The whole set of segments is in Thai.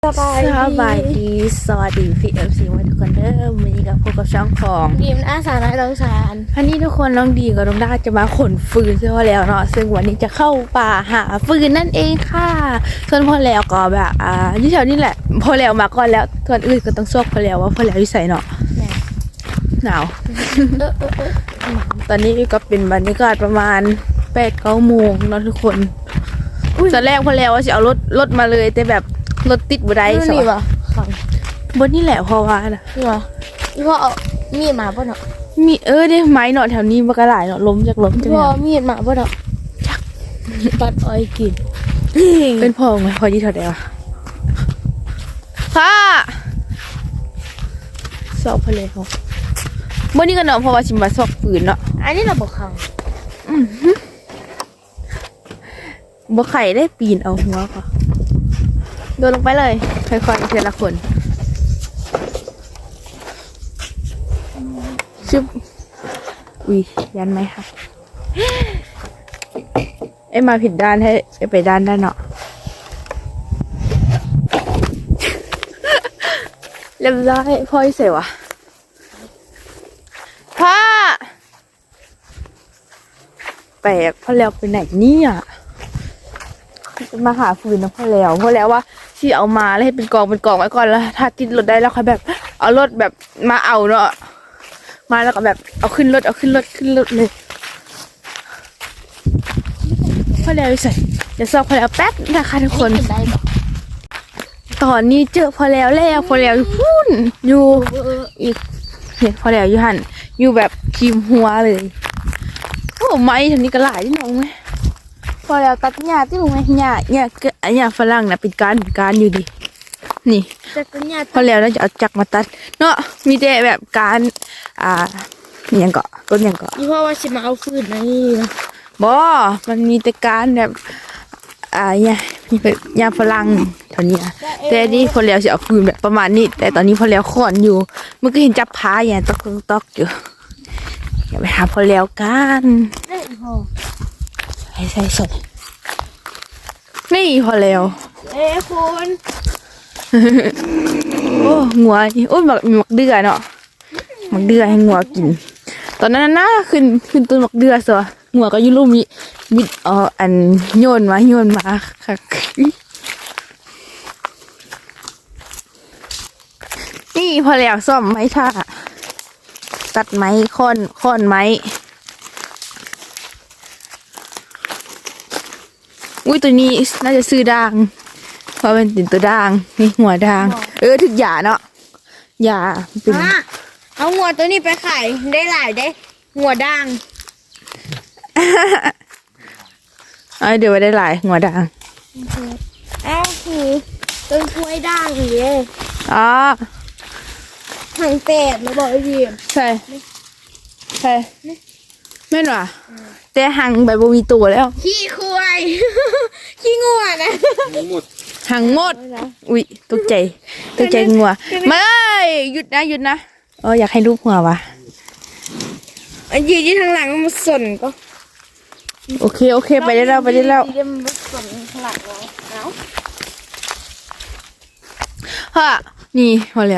สบายดีสวัสดีพี่FCไว้ทุกคนเด้อวันนี้กับพวกกับช่องของดีมอาสาน้อยลองสารอันนี้ทุกคนน้องดีกับน้องด้าจะมาขนฟืนเสื้อแล้วเนาะซึ่งวันนี้จะเข้าป่าหาฟืนนั่นเองค่ะส่วนพ่อแล้วก็แบบอยู่แถวนี้แหละพ่อแล้วมาก่อนแล้วส่วนอื่นก็ต้องซอกพ่อแล้วว่าพ่อแล้วอยู่ไสเนาะหนาว ตอนนี้ก็เป็นบรรยากาศประมาณ8-9 โมงเนาะทุกคนตอนแรกพ่อแล้วว่าจะเอารถมาเลยแต่แบบรถติดบ่ได้สนี่วะขังบนนี่แหละเพราะว่านะนี่วะนี่พ่อเอามีดมาป่ะเนาะมีได้ไม้เนาะแถวนี้มันก็หลายเนาะล้มจากล้มจากพ่อเนี่ยมีดมาป่ะเนาะตัดอ้อยกินเป็นพ่อไหมพ่อยี่เท่าไหร่วะพ่อสอบพะเลยเขาบนนี้ก็เนาะเพราะว่าชิมมาสอบฝืนเนาะอันนี้เราบอกขังบ่ไข่ได้ปีนเอาหัวค่ะโดนลงไปเลยค่อยๆทีละคนชึบอุ้ยยันไหมคะมาผิดด้านให้ไปด้านได้เนาะ เรียบร้อยพ่อเสียวะพ่อแปลกพ่อแล้วไปไหนเนี่ยมาหาฟืนนะพ่อแล้วว่าที่เอามาแล้วให้เป็นกองไว้ก่อนแล้วถ้าติดรถได้แล้วค่อยแบบเอารถแบบมาเอาเนาะมาแล้วก็แบบเอาขึ้นรถเลยพ่อแล้วใส่เดี๋ยวสอบพ่อแล้วแป๊บนะคะทุกคนกินได้ปะตอนนี้เจอพอแล้วอยู่พุ่นอยู่อีกเห็นพอแล้วอยู่หันอยู่แบบคิมหัวเลยโอ้ไม้ทางนี้ก็หลายที่น้องไหมพอแล้วตัดหญ้าที่ลงไหมหญ้าฝรั่งนะเป็นการอยู่ดินี่แต่ก็เนี่ยพอแล้วน่าจะเอาจักรมาตัดเนาะมีแต่แบบการอย่างเกาะต้นอย่างเกาะนี่พ่อว่าชิมาเอาฟืนนี่นะบ่มันมีแต่การแบบเนี่ยนี่เป็นยาฝรั่งเท่านี้อะแต่นี่พอแล้วจะเอาฟืนแบบประมาณนี้แต่ตอนนี้พอแล้วขอนอยู่เมื่อกี้เห็นจับพาอย่างตอกอยู่อย่าไปหาพอแล้วกันได้พ่อใส่สดนี่พอแล้วคุณโอ้งัวนี่โอ้ยมีหมักเดือเนาะหมักเดือให้งัวกิน ตอนนั้นน่ะขึ้นต้นหมักเดือซะงัวก็อยู่ลุ่มนี้บิดอันโยนมาค่ะนี่พอแล้วซ่อมไม้ท่าตัดไม้ค้อนไม้อุ้ยตัวนี้น่าจะซื้อด่างเพราะเป็นติ่นตัวด่างนี่หัวด่างถึกหยาเนาะหยาเป็นเอาหัวตัวนี้ไปขายได้หลายได้หัวด่างเดี๋ยวไว้ได้หลายหัวด่างคือต้นกล้วยด่างอย่างเงี้ยอ๋อทางเป็ดมาบอกไอ้ดีมใช่แม่นว่ะแต่หังแบบบ่มีตัวแล้วขี้ควาย ขี้งัวนะหังหมดอุ๊ยตกใจงัวมาเลยหยุดนะอยากให้รูปหัววะอันยืนที่ทางหลังมันสนก็โอเคไปได้แล้วเดี๋ยวมันสนข้างหลังเราฮะนี่พอแล้ว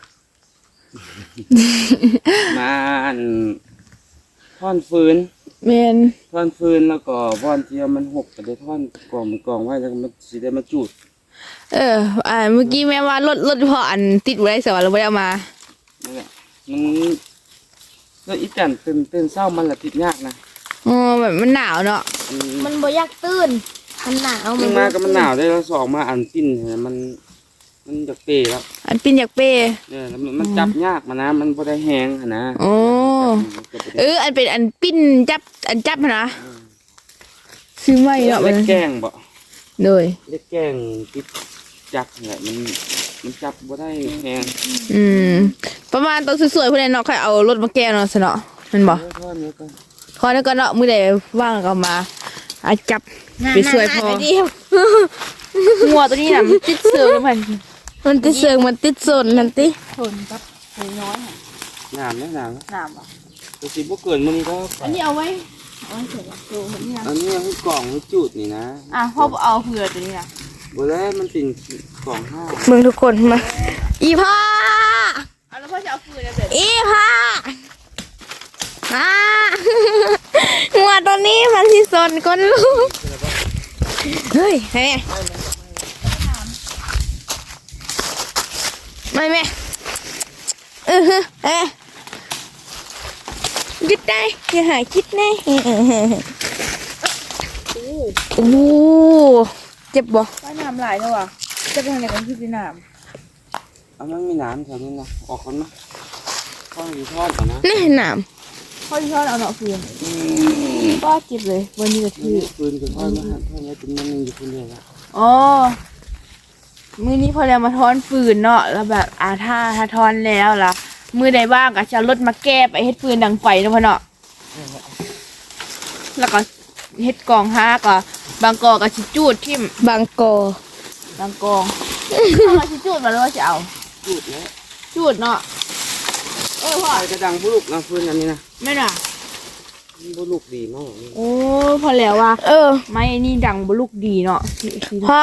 มาท่อนฟืนเมนท่อนฟืนแล้วก็ท่อนเทียมมันหกก็ได้ท่อนกองไว้แล้วมันสิได้มาจุดเมื่อกี้แม่ว่ารถพออันติดไว้ได้สวะเราไม่ได้เอามานั่นแหละมันแล้วอีจันตื่นเศร้ามันละติดยากนะแบบมันหนาวเนาะมันบ่อยากตื่นมันหนาวขึ้นมาก็มันหนาวได้แล้วสองมาอันปิ้นเนี่ยมันจะเปแล้วอันปิ้นอยากเป้เนี่ยแล้วมันจับยากมานะมันพอได้แห้งนะโอ้อันเป็นอันปิ้นจับนะซื้อไม่เนาะเล็กแกงบ่เลยเล็กแกงติดจักเนี่ยมันจับบ่ได้แห้งประมาณตัวสวยๆพวกนี้เนาะใครเอารถมาแก้เนาะสเนาะมันบอกท่อนนี้ก็พอแล้วก็เนาะมือใดว่างก็มาจับไปสวยพองัวตัวนี้น่ะมันติดเสือแล้วมันติดเสือมันติดโซนนั่นติทนกับน้อยหนามนะหนามหนามอ่ะตัวสีบ่เกินมันก็อันนี้เอาไว้เสร็จแล้วดูนี่นะอันนี้ให้กล่องให้จุดนี่นะพ่อเอาเผื่อตัวนี้นะบ่แล้วมันเป็นกล่องห้าเมืองทุกคนมาอีพ่อเอาแล้วพ่อจะเอาฟืนนะเด็ดอีพ่อมาหัวตัวนี้มันที่สนก้นลูกเฮ้ยแม่ไม่แม่คิดได้อย่าหายคิดได้โอ้เจ็บบ่ว่ายน้ำหลายเท่าว่ะจะไปทางไหนกันคือพี่น้เอามันมีน้ำแถวนี้นะออกคนนะทอดอยู่ทอดก่อนนะนี่หนามำพ่อที่ชอบเอาเนาะฟืนก็เจ็บเลยวันนี้ก็คือปืนกับทอดมาทอดแล้วเป็นมันนึงอยู่คนเดียวละอ๋อมือนี้พอแล้วมาทอนฟืนเนาะแล้วแบบถ้าทอนแล้วล่ะมือใดบ้างก็จะเอารถมาแก้ไปเฮ็ดฟืนดังไฟเนาะพ่อเนาะแล้วก็เฮ็ดกองห้าก็บางกอก็ชิจูดทิ่มบางกอบางกองเอาชิจูดมาแล้วว่าจะเอาพูดแล้วจูดเนาะพ่อไฟกระดังบุลุกนะฟืนอันนี้นะแม่น่ะบุลุกดีมากโอ้พอแล้วว่า ไม้นี่ดังบลูกดีเนาะพ่อ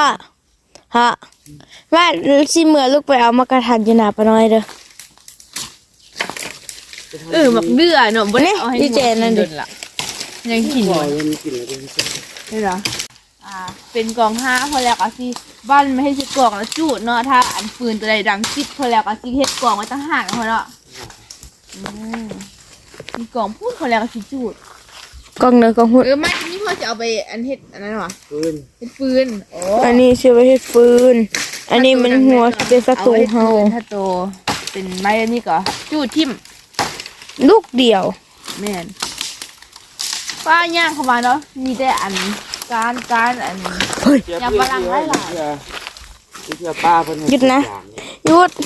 ว่าสิเมื่อลูกไปเอามากระทันอยู่หนาปะน้อยเด้อมักเดือเนาะบ่ได้เอาให้นี่เจนนั่นดิล่ะยังกินบ่ออยู่ ยมีกลิ่นอะไรเป็นพิเศษได้เหรอเป็นกองห้าพอแล้วก็สิบ้านไม่ให้สิกล่องแล้วจูดเนาะถ้าอันปืนตัวใดดังจิตพอแล้วก็สิเฮ็ดกล่องไว้ต่างหากเนาะเนาะมีกล่องพูดพอแล้วก็สิจูดกล้องเนื้อกล้องหุ่นไม่นี่พ่อจะเอาไปอันเฮ็ดอันนั้นหรอฟืนเฮ็ดปืนโอ้อันนี้ชื่อว่าเฮ็ดฟืน อันนี้มันหัวสิเป็นศัตรูเฮาถ้าโตเป็นไม้อันนี้ก็จูดทิ่มลูกเดียวแม่นป้าย่างเข้ามาเนาะมีแต่อันการอันเฮ้ยอย่าฝรั่งไล่หลายเพื่อป้าเพิ่นหยุดนะ หยุด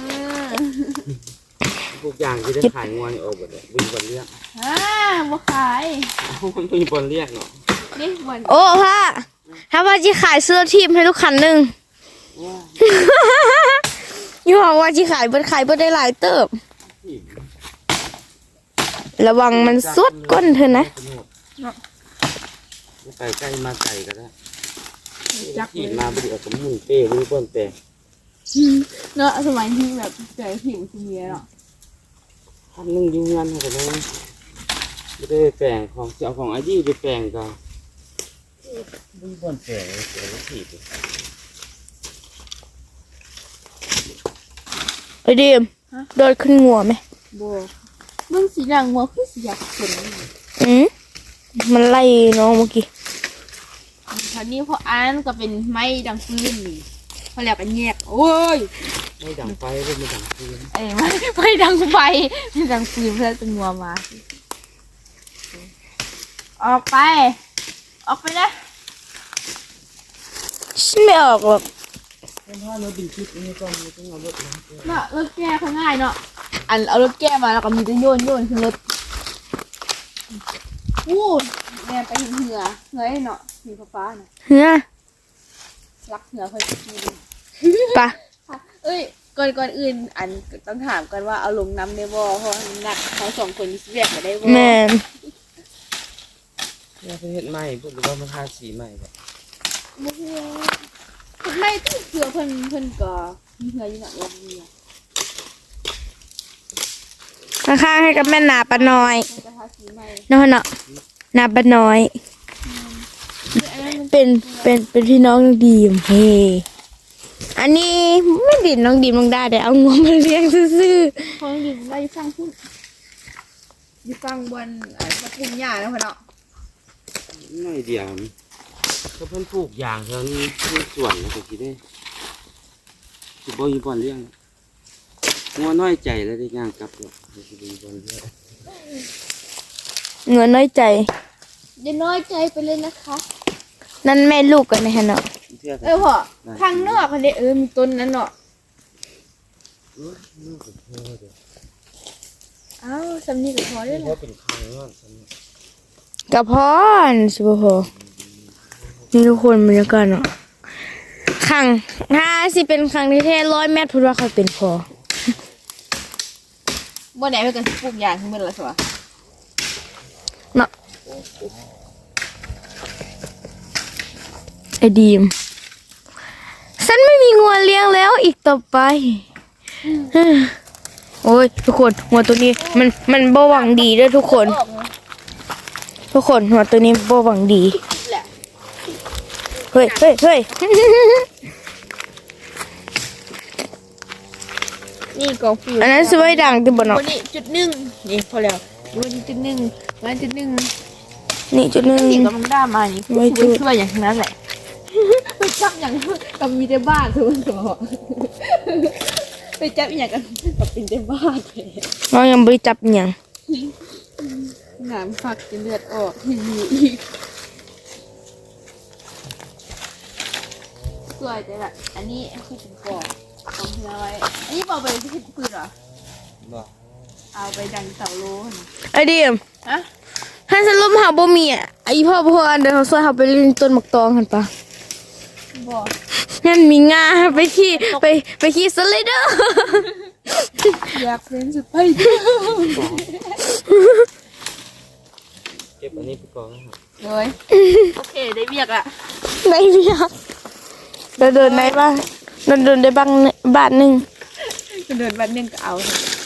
พวกอย่างที่ได้ขายงวนออกหมดเลยวิ่งบอลเรียกบ่ขายมันวิ่งบอลเรียกเนาะนี่วันโอ้พ่อถ้าพ่อจะขายเสื้อทีมให้ลูกคันหนึ่ง อยู่หอว่าจะขายเบิดได้หลายเติบ ระวังมันสุดก้นเธอนะไก่ใกล้มาไก่ก็ได้จักขี่มาบริเอาสมุนเป้รู้ก้นเป้เนาะสมัยที่แบบเจอผิวซีเมียเนาะทำนึ่งยุ่งงานกันเลยไม่ได้แปลงของเจ้าของไอ้ยี่ไปแปลงก็วิ่งบอลแปลงเสียแล้วถีบไอเดีมโดดขึ้นงัวไหมบ่เบิ่งสีหนังหัวคือสีอยากขนมันไล่น้องเมื่อกี้คราวนี้พออันก็เป็นไม้ดังฟืนนี่พอแล้วก็แยกโอ้ยไม่ดังไฟก็ไม่ดังฟืนไม่ดังไฟไม่ดังฟืนเพื่อจะงัวมาออกไปนะฉันไม่ออกหรอกเป็นเพราะรถบินคิดนี่ก็ไม่ต้องเอารถนะเนาะรถแก้เขาง่ายเนาะอันเอารถแก้มาแล้วก็มีจะโยนขึ้นรถวู้แม่ไปเห็นเหือให้เนาะเห็นฟ้าๆน่ะเฮ้ยรักเหือเคยมีดิปะเอ้ยก่อนอื่นอันต้องถามกันว่าเอาลงน้ำได้บ่เพราะว่าหนักเขาสองคนมีเรียกมาได้บ่แมนเนี่ยประเทศใหม่พูดหรือว่ามันทาสีใหม่แบบบ่เหือไม่ต้องเหือเพิ่นก็มีเหืออยู่หนักลงเหือข้างๆให้กับแม่นาปะน้อยเพิ่นก็ทาสีใหม่เนาะเนาะนาปะน้อยอันนั้นมันเป็นพี่น้องน้องดีมเฮอันนี้ไม่ดินน้องดีมน้องได้แต่เอางวมาเลี้ยงซื่อเขาอยู่ว่าอยู่ฟังพุ่นอยู่ฟังบนตะปุ่มหญ้าแล้วพ่อเนาะไม่เดียวเขาเพิ่นปลูกยางเท่านี้ที่สวนนะตะกี้ได้สิบ่อยู่บอลเลี้ยงงัวน้อยใจแล้วได้ย่างกลับเลยสิบ่อยู่บอลเลี้ยงๆเงินน้อยใจอย่าน้อยใจไปเลยนะคะนั่นแม่ลูกกันนะฮะเนาะพ่อข้างนอกอันนี้มีต้นนั้นเนาะอ้าวสำนีกับพอได้เพเลยราะเป็นครั้งนั่นกระพอนสิบพอนี่ทุกคนบรรยากาศเนาะขังถ้าสิเป็นครั้งที่แท้100 เมตรพูดว่าเขาเป็นพอบ่ไหนเพื่อนกันปลูกยางขึ้นมาแล้วสิวะเนาะไอดีมฉันไม่มีงัวเลี้ยงแล้วอีกต่อไปโอ้ยทุกคนหัวตัวนี้มันบ่หวังดีเด้อทุกคน ทุกคนหัวตัวนี้บ่หวังดีแหละเฮ้ยนี่กองฟิวอันนั้นสวยดังที่บ่เนาะวันนี้จุดหนึ่งนี่พอแล้ววันนี้จุดหนึ่งวันจุดหนึ่งนี่จุดหนึงนี่กำลังได้มานี่ไว้จุดช่วยอย่างนั้นแหละไปจับอย่างกับมีแต่บ้านทุกคนบอกไปจับอย่างกันกับเป็นแต่บ้านเลยน้องยังบ่ได้จับอิหยังหนามฝักจะเลือดออกอยู่อีกสวยแต่ละอันนี้คือเป็นกองของเธอไว้อันนี้บอกไปที่ปืนเหรอบ่เอาไปดังเสาโลนไอ้ดิมฮะถ้าสรุปหาบ่มีอ่ะไอ้พ่ออันเดินเขาซอยเฮาไปเล่นต้นหมากตองหั่นปะบอกงั้นมีงาไปขี่สไลเดอร์อยากเป็นสไปเดอร์เก็บอันนี้ไปก่อนนะครับเลยโอเคได้เบียกละในเบียกเดินได้บ้างเดินได้บ้านหนึงเดินวันหนึงก็เอา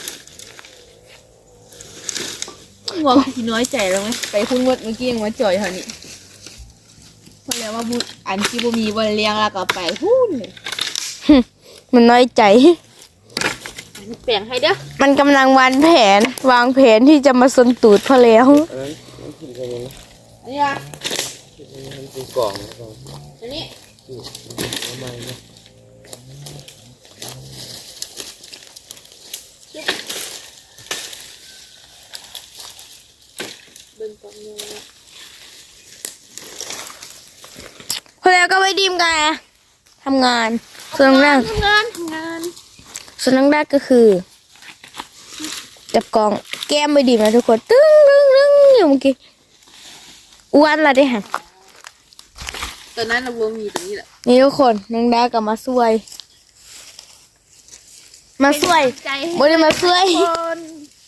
หัวพี่น้อยใจแล้วไหมไปพุ่งรถเมื่อกี้ยังมาจ่อยเท่านี้พอแล้วว่าบุอันที่บุมีวันเลี้ยงแล้วก็ไปพุ่นเลยมันน้อยใจแปลงให้เด้อมันกำลังวางแผนที่จะมาสนตูดพอแล้วอันนั้นมันขึ้นไปเลยนะอันนี้อะมันเป็นกล่องนะครับอันนี้ทำไมเนี่ยเบิ่งตรงนี้พอแล้วก็ไปดีมกันทำงานส่วนแรกทำงานส่วนแรกก็คือ จับกล่องแก้มไปดีมนะทุกคนตึ้งอยู่เมื่อกี้อ้วนละได้หันตอนนั้นเราบุมีตรงนี้แหละนี่ทุกคนน้องดากับมาช่วยใจให้บ่ได้มาช่วยคน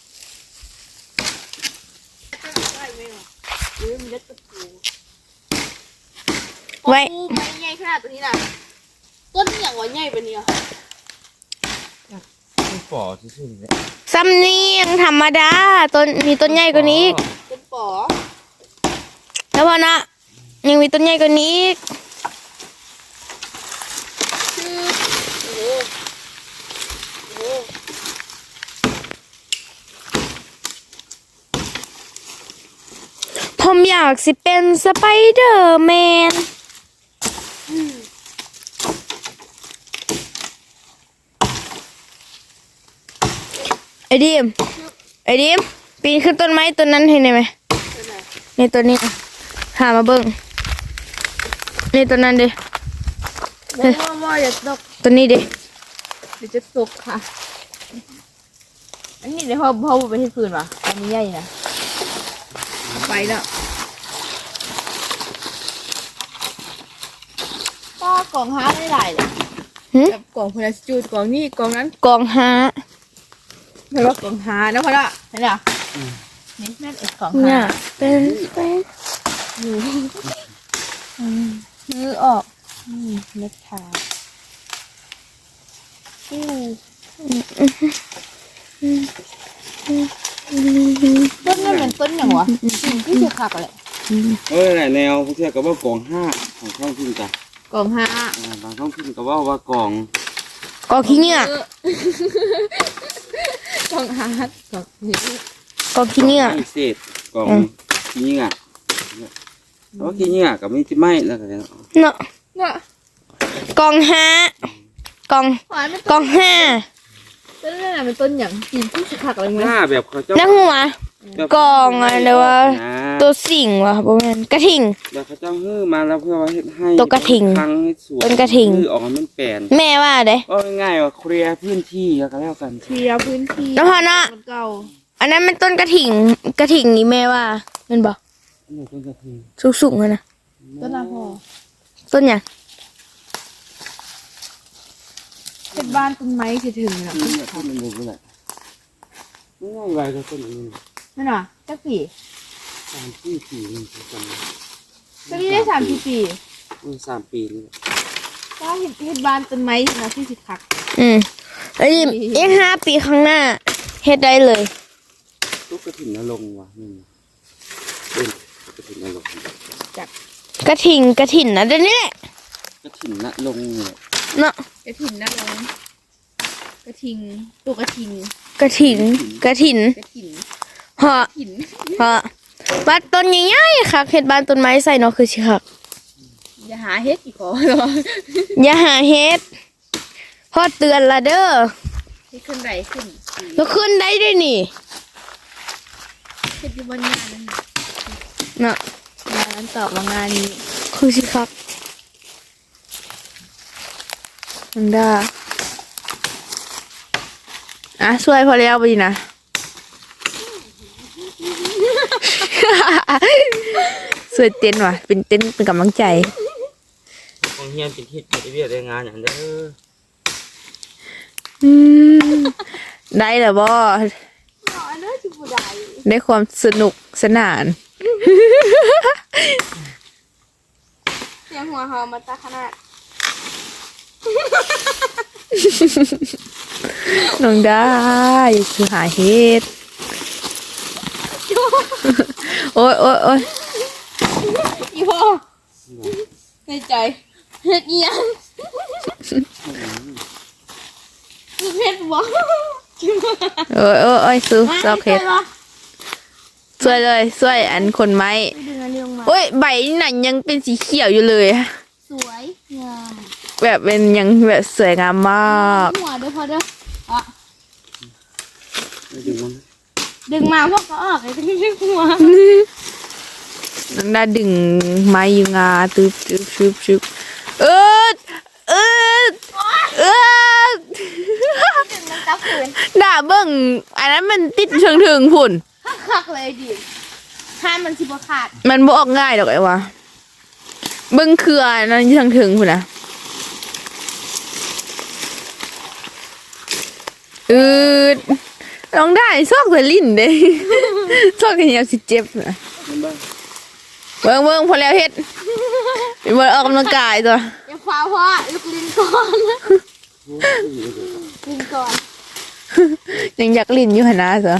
ได้ไหมวะหรือมันเล็กกระปูไว้ปูไม่ใหญ่ขนาดตัวนี้น่ะต้นอย่างว่าใหญ่ปะเนี่ยเป็นปอที่สุดเลยซ้ำเนียงธรรมดาต้นมีต้นใหญ่กว่านี้อีกเป็นปอแล้วพอนะยังมีต้นใหญ่กว่านี้อีกคือโอ้โหโอ้โหผมอยากสิเป็นสไปเดอร์แมนไอ้ดิมปีนขึ้นต้นไม้ต้นนั้นเห็นไหมเป็นไงนี่ต้นนี้หามาเบิ่งนี่ต้นนั้นดิว่าอย่าตกต้นนี้ดิเดี๋ยวจะตกค่ะ อันนี้เดี๋ยวพ่อไปที่คืนวะอันนี้ใหญ่นะเอาไปแล้วก็กล่องฮาร์ดได้หลายเลยหึแบบกล่องพลาสจูดกล่องนี้กล่องนั้นกองหาไม่ว่ากล่องฮาร์ดนะพ่อละเห็นเหรอนี่แม่นไอ้กล่องเนี่ฮาย ร์ดเป็นไปมือออกเม็ดขาต้นนั่นเป็นต้นอย่างวะที่เชือกขาดอะไรแนวพวกเที่ยก็ว่ากล่องห้าของท้องถิ่นจ้ะกล่องฮาบางท้องถิ่นก็ว่ากล่องกองขี้เหงื่อกล่องฮาร์ดกล่องนี้กองขี้เหงื่อพิเศษกล่องขี้เหงื่อเพราะขี้เหงื่อกับมีที่ไม้แล้วกันเนาะเนาะน่ะกองหากองหวานเป็นกองห้าต้นนั่นเป็นต้นอย่างกินที่เชือกขาดอะไรไหมหน้าแบบเขาเจ้านักหัว กล่องอะไรวะ ตัวสิ่งวะประมาณกระทิงแบบเขาเจ้าฮื้อมาแล้วเพื่อว่าเฮ็ดให้ตัวกระทิงทางให้สวยเป็นกระทิงฮื้อออกมามันแปลนแม่ว่าเด้ก็ง่ายๆว่าเคลียร์พื้นที่แล้วก็แล้วกันเคลียร์พื้นที่แล้วพอเนาะมันเก่าอันนั้นมันต้นกระถิงนี่แม่ว่าแมันบอกอันนี้เป็นกระทิงสูงๆเลยนะต้นละพอต้นหยังเป็นบ้านต้นไม้สิถึงนะนี่เนี่ยต้นมันอยู่นี่แหละง่ายๆไว้ก็ต้นอันนี้นั่นน่ะจักปี 3 ปี4นี่คือกันต้นนี้ได้3 4 ปี 3 ปีนี่แหละว่าเห็ดบานต้นไม้นะที่สิคักอันนี้อีก5 ปีข้างหน้าเฮ็ดได้เลยลูกกระถิ่นนรงค์ว่ะนี่เป็นกระถิ่นนรงค์กระถิ่นนะเดี๋ยวนี้แหละกระถิ่นนรงค์เนี่ยเนาะกระถิ่นนะลงกระทิงตัวกระทิงกระถิ่นกระถิ่นเหาะถิ่นเหาะบ้านต้นใหญ่ๆค่ะเฮ็ดบ้านต้นไม้ใส่เนาะคือสิคักอย่าหาเฮ็ดอีกขอเหรออย่าหาเฮ็ดพ่อเตือนละเด้อเฮ็ดขึ้นไรขึ้นแล้วขึ้นได้ด้วยนี่เฮ็ดอยู่บนงานนั่นน่ะเนาะงานนั้นตอบมางานนี้คือสิคักมันได้ช่วยพอแล้วไปนะ สวยเต้นว่ะเป็นเต้นเป็นกำลังใจของเฮียนเป็นทิศปฏิเวทได้งานอย่างเด้อได้เหรอบ่อ๋อเด้อสิบ่ได้ได้ความสนุกสนานเสียงหัวเฮามาตาขนาดน้องได้คือหาเฮ็ด โอ้ยโอ้ยโอ้ยอีพ่อในใจเฮ็ดอีหยังเฮ็ดบ่โอ้ยโอ้ยโอ้ยซื้อซอกเฮ็ดช่วยเลยช่วยอันคนไม้ดึงอันนี้ลงมาโอ้ยใบหนังยังเป็นสีเขียวอยู่เลยสวยงามแบบเป็นยังแบบสวยงามมากหัวเด้อพ่อเด้ออ่ะไม่ดึงมันดึงมาพวกก็ออกไอ้ที่ไม่หัวน้องได้ดึงไม้ยูงาตึบตึบชึบชึบเออเออเออดึงมันกลับคืนด่าเบิ่งอันนั้นมันติดเชิงถึงพุ่นคักๆเลยดิห้ามมันสิบ่ขาดมันบ่ออกง่ายดอกไอ้วะเบิ่งเครืออันนั้นเชิงถึงพุ่นนะน้องได้ซอกแต่ลิ้นเด้ ซอกแต่เหี่ยวสิเจ็บนะมันบ้างเบิ่งพอแล้วเฮ็ดเป็นบ่ออกกำลังกายตัวอย่าฟ้าวพ่อลูกลิ้นก่อนโอ้ยเดี๋ยวลิ้นก่อนยังอยากลิ้นอยู่หั่นนะเสือ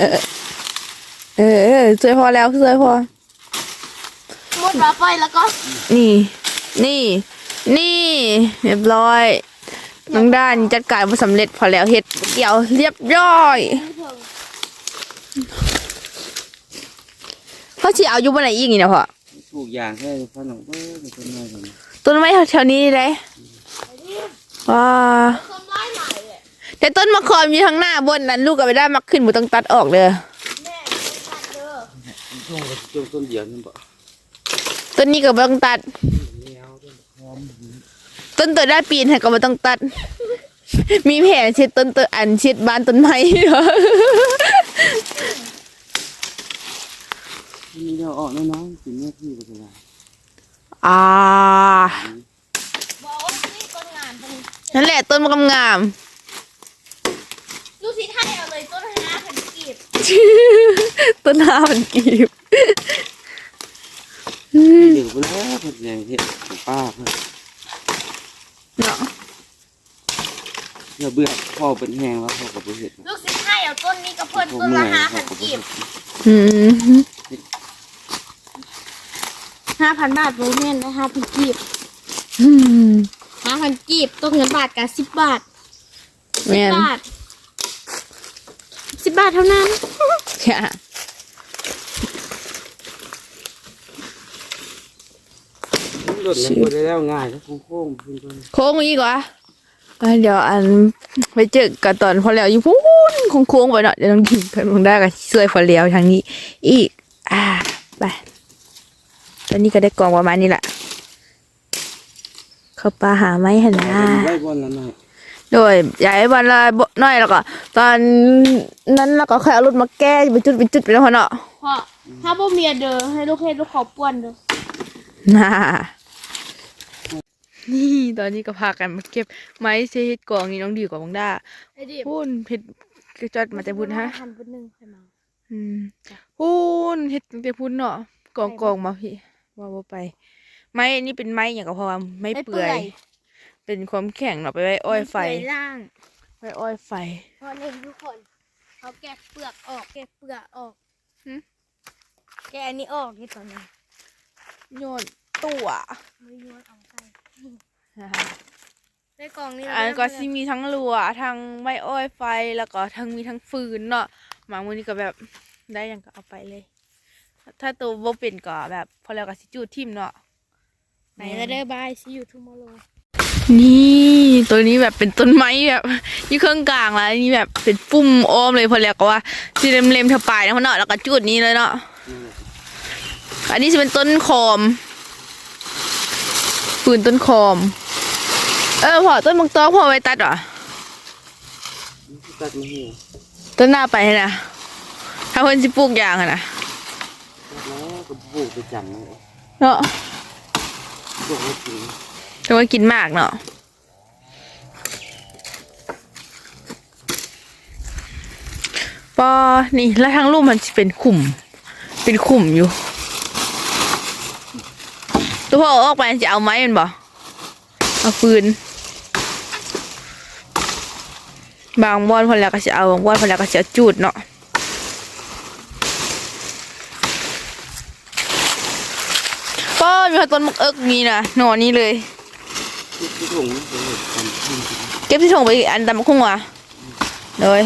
ช่วยพอแล้วช่วยพอหมดแล้วไปแล้วก็นี่เรียบร้อยน้องด้านจัดการมาสำเร็จพอแล้วเฮ็ดเกี่ยวเรียบร้อยเขาสิเอาอยู่บนไหนอีกนี่นะพ่อปลูกยางแค่พ่อหนุ่มเออเป็นต้นไม้ผมต้นไม้แถวๆนี้เลยว้าต้นไม้ใหม่เลยแต่ต้นมะขามอยู่ทางหน้าบนนั้นลูกก็ไปได้มักขึ้นบ่ต้องตัดออกเลยแม่ไม่ตัดเด้อช่วงกับช่วงต้นเดียวนี่บ่ต้นนี้ก็บ่ต้องตัดแล้วหอมต้นตัวได้ปีนให้ก็บ่ต้องตัด มีแผนเช็ดต้นอันเช็ดบ้านต้นไม้เหรอมีเดียวออกน้อยๆกินเนื้อที่ก็ได้บอกว่านี่ต้นงานเป็นนั่นแหละต้นมะกำงามลูกศิษย์ไทยเอาเลยต้น5,000กีบต้นห้ามันกีบเดี๋ยวไปแล้วเพิ่นแรงเฮ็ดของป้าเพิ่นเนาะเดี๋ยวเบื่อพ่อเป็นแห้งแล้วพ่อก็บ่เฮ็ดลูกศิษย์ไทยเอาต้นนี้กับเพิ่นต้นละ5,000กีบอืม 5,000 บาทโรเมนนะ5,000กีบอืม 5,000กีบต้นเงินบาทกับ10 บาทแม่น 10 บาท10 บาทเท่านั้นจ้ะรถมันบ่ได้แล้วง่ายแล้วโค้งๆเพิ่นก็โค้งอีกวะเดี๋ยวอันไปเจอกันตอนพอแล้วอยู่พูนโค้งๆไปเนาะเดี๋ยวต้องกินเพิ่นคงได้ก็ช่วยพอแล้วทางนี้ อีกไปตอนนี้ก็ได้กล่องประมาณนี้แหละเข้าปลาหาไม้หั่นนะไว้บ่อนละหน่อยโดยย้ายวันละน้อยแล้วก็ตอนนั้นแล้วก็ค่อยเอารถมาแก้ไปจุดไปแล้วพอเนาะพ่อถ้าบ่เมียเด้อให้ลูกเฮ็ดลูกขอป้วนเด้อน่านี่ตอนนี้ก็พากันมาเก็บไม้เศษกองนี่น้องดีกว่าบังด้าไอ้ดิพูนเฮ็ดกระจอดมาแต่พุ่นฮะหั่นพุ่นนึงค่อยมาพูนเฮ็ดตั้งแต่พุ่นเนาะกองมาพี่ว่าบ่ไป ไม้อันนี้เป็นไม้อย่างก็เพราะว่าไม้เปื่อยเป็นความแข็งเนาะไปไว้อ้อยไฟมันเปื่ล่างไว้อ้อยไฟเพราะนี่ทุกคนเขาแกะเปลือกออกแกะเปลือกออกหึแกะอันนี้ออกที่ตอนนี้โยนตัวมือโยนเอาใส่ในกล่องนี้อันก็สิมีทั้งรัวทั้งไม้อ้อยไฟแล้วก็ทั้งมีทั้งฟืนเนาะหมามือนี้ก็แบบได้หยังก็เอาไปเลย ถ้าตัวบ่เป็นก็แบบพอแล้วก็สิจูดทิ่มเนาะไหนจะได้บายซีอยู่ทูมอร์โลนี่ตัวนี้แบบเป็นต้นไม้แบบอยู่เครื่องกลางแล้วนี่แบบเป็นปุ่มอ้อมเลยพอแล้วก็ว่าสิเล็มๆเท่าปลายนะพ่อเนาะแล้วก็จูดนี้เลยเนาะอันนี้จะเป็นต้นคอมฟืนต้นคอมพอต้นมังตอกพอไว้ตัดเหรอตัดมาให้ต้นหน้าไปนะถ้าเพิ่นสิปลูกยางอะนะแล้วก็ปลูกไปจังเลยเนาะปลูกไว้กินแต่ว่ากินมากเนาะปอนี่แล้วทางรูปมันจะเป็นขุมอยู่ตัวพ่อเอาออกไปจะเอาไม้มันบ่เอาฟืนบางบอนพอแล้วก็จะเอาบางบอนพอแล้วก็จะจูดเนาะก็มีต้นมะเอิกนี่นะหน่อนี้เลยที่ถุงนะเป็นแบบทำขึ้นเก็บที่ส่งไปอีกอันตามคุ้งว่ะเลย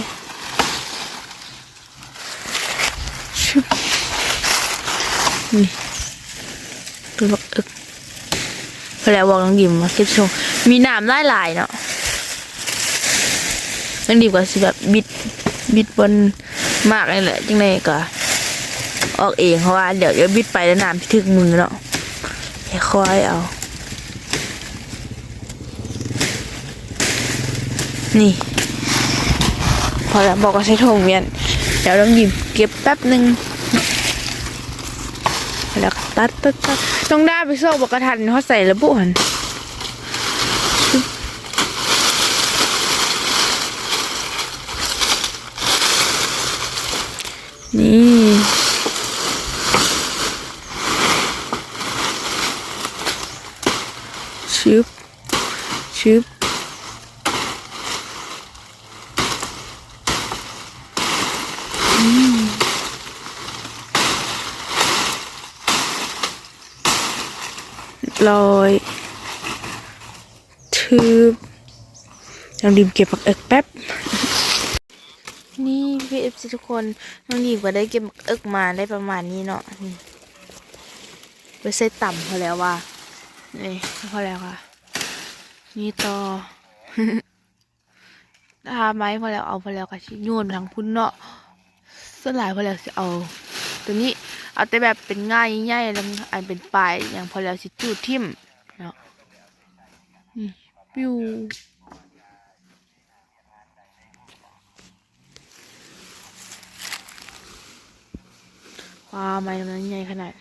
นี่ต้นมะเอิกพอแล้วบอกน้องดิมมาเก็บส่งมีน้ำได้หลายเนาะน้องดิมก็สิแบบบิดบนมากเลยแหละจังไงก็ออกเองเพราะว่าเดี๋ยวบิดไปแล้วน้ำที่ถึงมือเนาะค่อยเอานี่พอแล้วบอกว่าใช้โถงเวียนเดี๋ยวต้องหยิบเก็บแป๊บหนึ่งแล้วก็ตัดต้องได้ไปโซ่บอกกระทันเขาใส่ระบุหันนี่ชึบลอยทืบน้องดิมเก็บผักเอิกแป๊บนี่พี่เอฟซีทุกคนน้องดิมก็ได้เก็บผักเอิกมาได้ประมาณนี้เนาะนี่ไปใส่ต่ำพอแล้วว่านี่พอแล้วค่ะนี่ต่อ ถ้าไม้พอแล้วเอาพอแล้วก็ชิโยนไปทางพุ่นเนาะส่วนหลายพอแล้วสิเอาตัวนี้เอาแต่แบบเป็นง่ายง่ายแล้วอันเป็นปลายอย่างพอแล้วสิจูดทิ่มเนาะนี่ปิ้วว้าไม้มันใหญ่ขนาด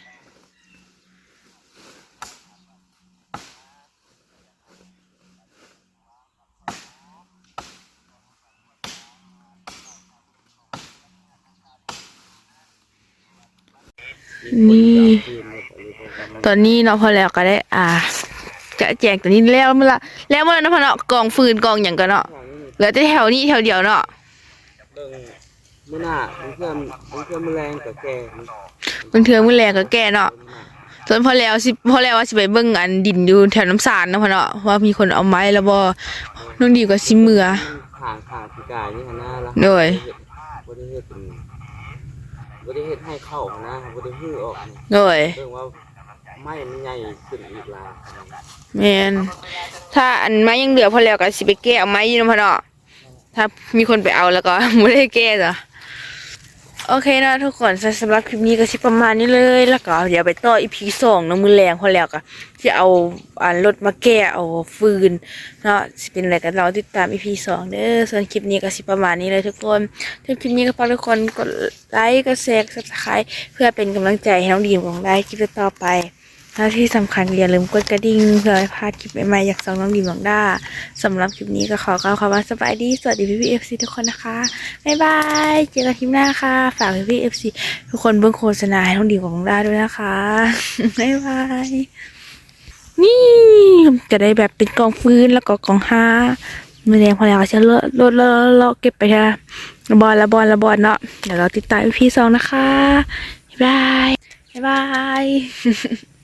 นี่ตอนนี้เนาะพอแล้วก็ได้จะแจกตัวนี้แล้วเมื่อละแล้วเมื่อนะพอเนาะกองฟืนกองอย่างกันเนาะเหลือแต่แถวนี้แถวเดียวเนาะเมื่อหน้าเพื่อนแมลงกับแกมันเทืองมันแรงก็แก่เนาะส่วนพอแล้วว่าสิไปเบิ่งอันดินอยู่แถวน้ำสารนะพอเนาะว่ามีคนเอาไม้แล้วบ่น้องดีก็สิเมื่อผ่านพิการนี่นะแล้วโดยบ่ได้เฮ็ดให้เข้านะบ่ได้ฮื้อออกโดยเรื่องว่าไม้มันใหญ่ขึ้นอีกลาแม่นถ้าอันไม้ยังเหลือพอแล้วก็สิไปแก้เอาไม้อยู่นะพอเนาะถ้ามีคนไปเอาแล้วก็ไม่ได้แก้จ้ะโอเคนะทุกคนสำหรับคลิปนี้ก็สิประมาณนี้เลยแล้วก็เดี๋ยวไปต่ออีพี2น้ำมือแรงพอแล้วก็จะเอารถมาแก้เอาฟืนเนาะสิเป็นอะไรกันเราติดตามอีพี2เด้อส่วนคลิปนี้ก็สิประมาณนี้เลยทุกคนถ้าคลิปนี้ก็ฝากทุกคนกดไลค์กดแชร์Subscribeเพื่อเป็นกำลังใจให้น้องดีมของได้คลิปต่อไปและที่สำคัญอย่าลืมกดกระดิ่งเพื่อไม่พลาดคลิปใหม่ๆจากน้องดีมของด้าสำหรับคลิปนี้ก็ขอกล่าวคำว่าสบายดีสวัสดีพี่ๆ FC ทุกคนนะคะบ๊ายบายเจอกันคลิปหน้าค่ะฝากพี่ๆ FC ทุกคนเบิ่งโฆษณาให้น้องดีมของด้าด้วยนะคะบ๊ายบายนี่จะได้แบบเป็นกองฟืนแล้วก็กองห้ามือแดงพอแล้วก็จะเลาะเก็บไปค่ะละบอลเนาะเดี๋ยวเราติดตามพี่สองนะคะบ๊ายบาย